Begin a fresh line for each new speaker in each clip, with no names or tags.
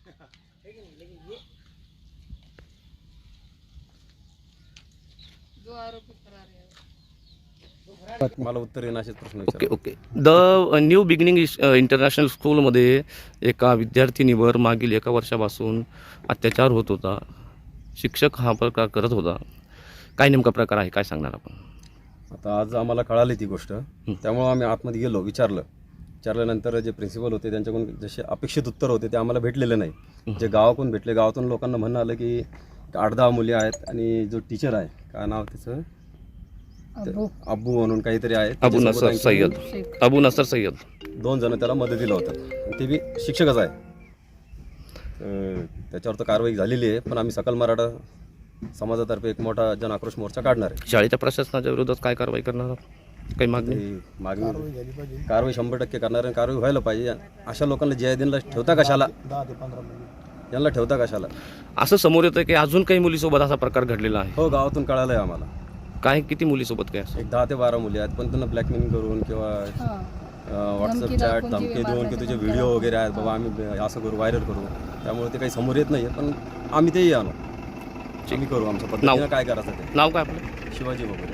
जो आरोपी फरार है
मला उत्तर येणं असेच प्रश्न
okay okay. The new beginning international स्कूलमध्ये एका विद्यार्थिनीवर मागील 1 वर्षापासून अत्याचार होत होता. शिक्षक हा प्रकार करत होता. काय नेमका प्रकार आहे, काय सांगणार आपण?
आता आज आम्हाला कळाली ती गोष्ट, त्यामुळे आम्ही आतमध्ये गेलो, विचारल्यानंतर जे प्रिन्सिपल होते त्यांच्याकडून जसे अपेक्षित उत्तर होते ते आम्हाला भेटलेले नाही. जे गावाकडून भेटले, गावातून लोकांना म्हणणं आलं की 8-10 मुली आहेत आणि जो टीचर आहे, काय नाव त्याचं, अब्बू म्हणून काहीतरी आहे,
अबू नसर सय्यद.
2 जण त्याला मदतीला होतात, ते बी शिक्षकच आहे. त्याच्यावर तर कारवाई झालेली आहे, पण आम्ही सकल मराठा समाजातर्फे एक मोठा जन आक्रोश मोर्चा काढणार आहे.
शाळेच्या प्रशासनाच्या विरोधात काय कारवाई करणार आहात? काही मागणी?
कारवाई 100% करणार आहे. कारवाई व्हायला पाहिजे. अशा लोकांना जयदिनला ठेवता कशाला, यांना ठेवता कशाला?
असं समोर येतं की अजून काही मुलीसोबत असा प्रकार घडलेला आहे.
हो, गावातून कळालं आहे आम्हाला.
काय, किती मुलीसोबत काय असं?
एक 10 ते 12 मुली आहेत, पण त्यांना ब्लॅकमेलिंग करून किंवा व्हॉट्सअप चॅट धमकी देऊन की तुझे व्हिडिओ वगैरे आहेत बाबा, आम्ही असं करू, व्हायरल करू. त्यामुळे ते काही समोर येत नाही, पण आम्ही तेही आणू, आम्ही करू आमच्या पद्धतीनं. काय करायचं ते.
नाव काय आपलं?
शिवाजी वगैरे.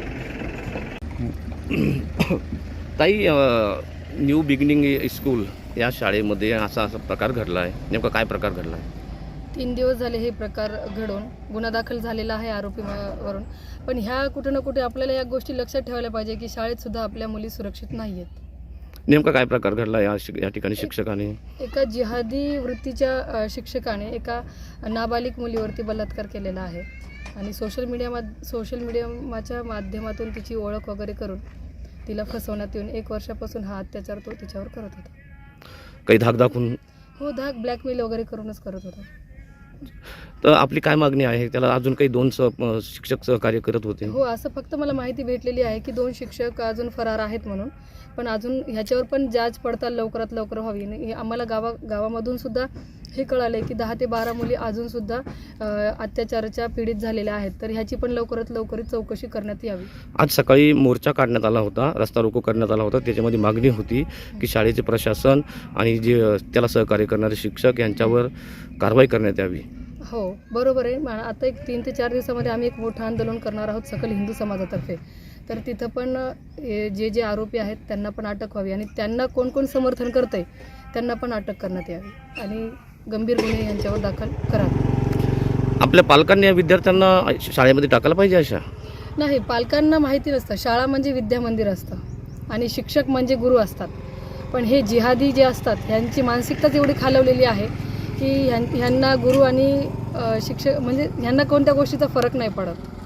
ताई, न्यू बिगिनिंग स्कूल या शाळेमध्ये असा प्रकार घडला आहे. नेमका काय प्रकार घडला आहे?
3 दिवस झाले हे प्रकार घडून गुन्हा दाखल झालेला आहे आरोपीवरून. पण ह्या कुठे ना कुठे आपल्याला या गोष्टी लक्षात ठेवायला पाहिजे की शाळेत सुद्धा आपल्या मुली सुरक्षित नाही आहेत.
नेमका काय प्रकार घडला या ठिकाणी? शिक्षकाने, एका
जिहादी वृत्तीच्या शिक्षकाने एका नाबालिग मुलीवरती बलात्कार केलेला आहे आणि सोशल मीडियाच्या माध्यमातून तिची ओळख वगैरे करून तिला फसवण्यात येऊन 1 वर्षापासून हा अत्याचार तो तिच्यावर करत होता.
काही धाक दाखवून?
हो, ब्लॅकमेल वगैरे करूनच करत होता.
तर आपली काय मागणी आहे? त्याला अजून काही 2 शिक्षक सहकार्य करत होते.
हो, असं फक्त मला माहिती भेटलेली आहे की 2 शिक्षक अजून फरार आहेत म्हणून. पण अजून ह्याच्यावर पण जांच पडताल लवकरात लवकर व्हावी. आम्हाला गावामधून सुद्धा हे कळालं आहे की 10 ते 12 मुली अजून सुद्धा अत्याचाराच्या पीडित झालेल्या आहेत. तर ह्याची पण लवकरात लवकर चौकशी करण्यात यावी.
आज सकाळी मोर्चा काढण्यात आला होता, रस्ता रोको करण्यात आला होता. त्याच्यामध्ये मागणी होती की शाळेचे प्रशासन आणि जे त्याला सहकार्य करणारे शिक्षक यांच्यावर कारवाई करण्यात यावी.
हो, बरोबर आहे. आता एक 3 ते 4 दिवसामध्ये आम्ही एक मोठं आंदोलन करणार आहोत सकल हिंदू समाजातर्फे. तर तिथं पण जे आरोपी आहेत त्यांना पण अटक व्हावी आणि त्यांना कोण कोण समर्थन करतंय त्यांना पण अटक करण्यात यावी आणि गंभीर गुन्हे यांच्यावर दाखल करावे.
आपल्या पालकांनी या विद्यार्थ्यांना शाळेमध्ये टाकायला पाहिजे अशा?
नाही, पालकांना माहिती नसतं. शाळा म्हणजे विद्यामंदिर असतं आणि शिक्षक म्हणजे गुरु असतात. पण हे जिहादी जे असतात ह्यांची मानसिकताच एवढी खालवलेली आहे की ह्यांना गुरु आणि शिक्षक म्हणजे ह्यांना कोणत्या गोष्टीचा फरक नाही पडत.